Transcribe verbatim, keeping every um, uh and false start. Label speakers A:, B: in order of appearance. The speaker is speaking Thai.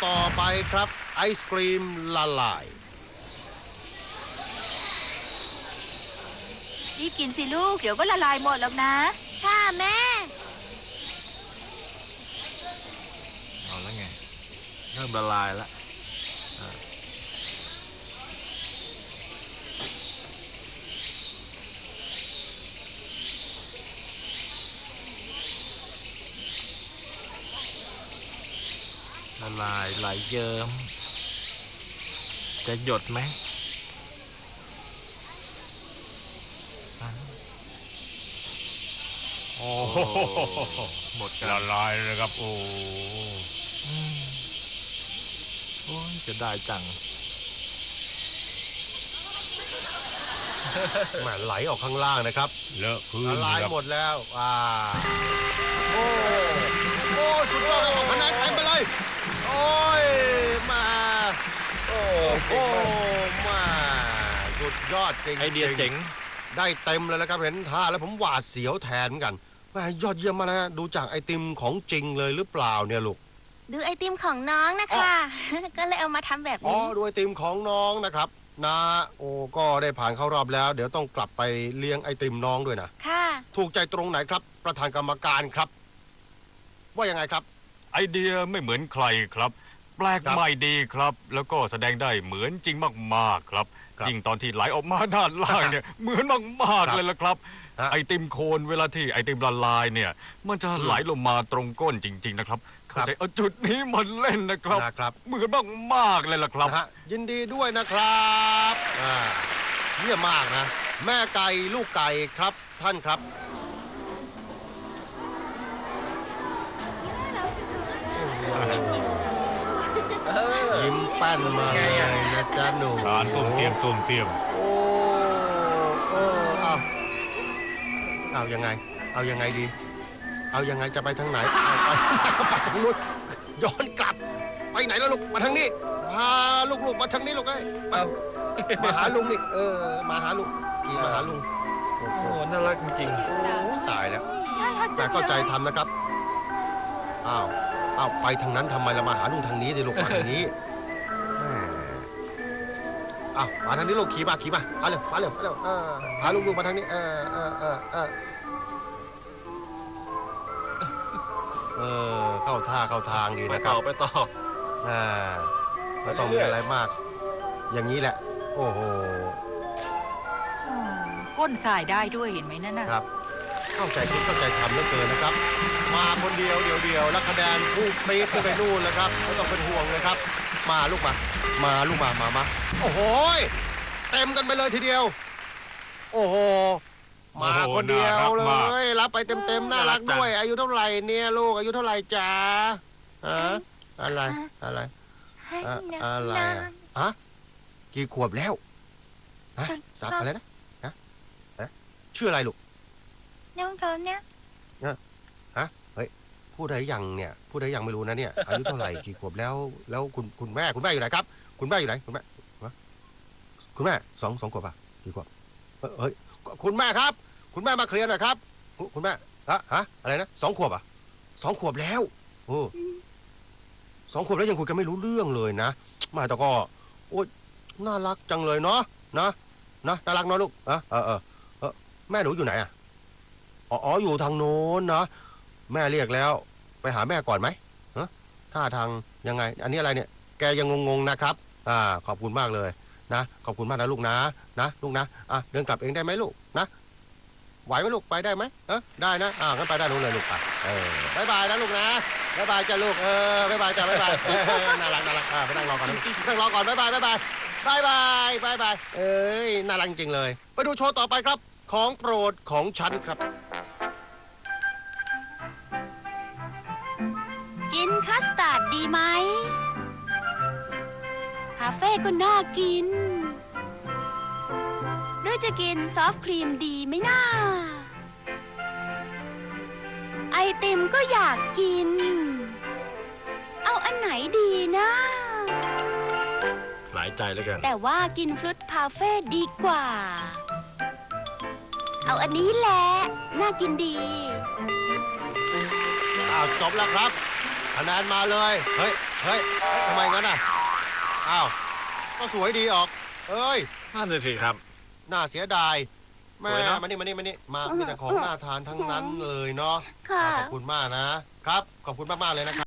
A: ต่อไปครับไอศกรีมละลาย
B: รีบกินสิลูกเดี๋ยวก็ละลายหมดแล้วนะ
C: ค่ะแม่
D: เอาแล้วไงเริ่มละลายแล้วละลายไหลเยิ้มจะหยดไหม
E: โอ้โห
D: หมดกัน
E: ละลายเลยครับโอ้
D: โอ้ยจะได้จัง
A: แหมไหลออกข้างล่างนะครับ
E: เลอะพื้น
A: ละลายหมดแล้วอ่าโอ้โอ้สุดยอดเลยคะแนนเต็มไปเลยโอ้ยมาโอ้โหมาสุดยอดจริง
D: ไอเดียเจ๋ง
A: ได้เต็มเลยนะครับเห็นท่าแล้วผมหวาดเสียวแทนกันแม่ยอดเยี่ยมมากนะดูจากไอติมของจริงเลยหรือเปล่าเนี่ยลูก
C: ดูไอติมของน้องนะคะก็เลยเอามาทำแบบนี้
A: อ๋อดูไอติมของน้องนะครับนะโอ้ก็ได้ผ่านเข้ารอบแล้วเดี๋ยวต้องกลับไปเลี้ยงไอติมน้องด้วยนะ
C: ค่ะ
A: ถูกใจตรงไหนครับประธานกรรมการครับว่ายังไงครับ
E: ไอเดียไม่เหมือนใครครับแปลกใหม่ดีครับแล้วก็แสดงได้เหมือนจริงมากๆครับยิ่งตอนที่ไหลออกมาด้านล่างเนี่ยเหมือนมากๆเลยละครับไอติมโคนเวลาที่ไอติมละลายเนี่ยมันจะไหลลงมาตรงก้นจริงๆนะครับเข้าใจเอาจุดนี้มันเล่นนะครับเหมือนมากๆเลยละครับ
A: ยินดีด้วยนะครับเยี่ยมมากนะแม่ไก่ลูกไก่ครับท่านครับยิ้มแป้นมาเลยนะจ๊ะหนู
E: ทานตุ้มเตียมตุ้มเตียม
A: โอ้โอ้เอาเอายังไงเอายังไงดีเอายังไงจะไปทางไหนเอาไปไปทางนู้นย้อนกลับไปไหนแล้วลูกมาทางนี้พาลูกๆมาทางนี้ลูกไอ้มาหาลุงนี่เออมาหาลุงขี่มาหาลุง
D: โอ้โหน่ารักจริง
A: ๆตายแล้วแต่เข้าใจทำนะครับอ้าวอ้าวไปทางนั้นทำไมเรามาหาลุงทางนี้ดิลูกมาทางนี้อ้าวมาทางนี้ลูกขี่มาขี่มามาเร็วมาเร็วมาเร็วพาลุงๆมาทางนี้เออเออเออเออเออเข้าท่าเข้าทางดีนะครับ
D: ไปต่อไปต่อ
A: อ่าไม่ต้องมีอะไรมากอย่างนี้แหละโอ้โห
B: ก้นสายได้ด้วยเห็นไหมนั่นน่ะ
A: ครับเข้าใจคิดเข้าใจทำเหลือเกินนะครับมาคนเดียวเดียวเดียวแล้วคะแนนพุ่งปี๊ดขึ้นไปนู่นแล้วครับไม่ต้องเป็นห่วงเลยครับมาลูกมามาลูกมามามาโอ้โหเต็มกันไปเลยทีเดียวโอ้โหมาคนเดียวเลยรับไปเต็มๆน่ารักด้วยอายุเท่าไหร่เนี่ยลูกอายุเท่าไหร่จ๊ะฮะอะไรอะไรอะไรฮะกี่ขวบแล้วฮะสามอะไรนะฮะชื่ออะไรลูก
C: น้องเขาเนี่ย
A: ฮะเฮ้ยพูดได้ยังเนี่ยพูดได้ยังไม่รู้นะเนี่ยอายุเท่าไหร่กี่ขวบแล้วแล้วคุณคุณแม่คุณแม่อยู่ไหนครับคุณแม่อยู่ไหนคุณแม่คุณแม่สองสองขวบป่ะกี่ขวบเฮ้ยคุณแม่ครับคุณแม่มาเคลียร์หน่อยครับคุณแม่ฮะฮะอะไรนะสองขวบอ่ะสองขวบแล้วโอ้สองขวบแล้วยังคุยกันไม่รู้เรื่องเลยนะมาแต่ก็โอ้น่ารักจังเลยเนาะนะนะน่ารักเนาะลูกเออเออเออแม่หนูอยู่ไหนอ่ะอ๋ออยู่ทางโน้นนะแม่เรียกแล้วไปหาแม่ก่อนไหมฮะท่าทางยังไงอันนี้อะไรเนี่ยแกยังงงๆนะครับอ่าขอบคุณมากเลยนะขอบคุณมากนะลูกนะนะลูกนะอ่ะเดินกลับเองได้ไหมลูกนะไหวไหมลูกไปได้ไหมเออได้นะอ่างั้นไปได้ลูกเลยลูกอ่ะเออบายบายนะลูกนะบายบายจ้าลูกเออบายบายจ้าบายบายน่ารักน่ารักอ่าไปนั่งรอก่อนนั่งรอก่อนบายบายบายบายบายบายบายบายเอ้ยน่ารักจริงเลยไปดูโชว์ต่อไปครับของโปรดของฉันครับ
C: กินคัสตาร์ดดีไหมคาเฟ่ก็น่ากินหรือจะกินซอฟต์ครีมดีไหมน่าไอติมก็อยากกินเอาอันไหนดีนะ
D: หลายใจแล้วกัน
C: แต่ว่ากินฟรุตพาเฟ่ดีกว่าเอาอันนี้แหละน่ากินดี
A: อ้าวจบแล้วครับคะแนนมาเลยเฮ้ยเฮ้ยเฮ้ยทำไมงั้นอ่ะอ้าวก็สวยดีออกเอ้ย
D: นั่นเลยสิครับ
A: น่าเสียดายแม่
D: สวยเนอะ
A: มานี่มานี่มานี่มามีแต่ของน่าทานทั้งนั้นเลยเนาะ
C: ค่ะ
A: ขอบคุณมากนะครับ ขอบคุณมากๆเลยนะครับ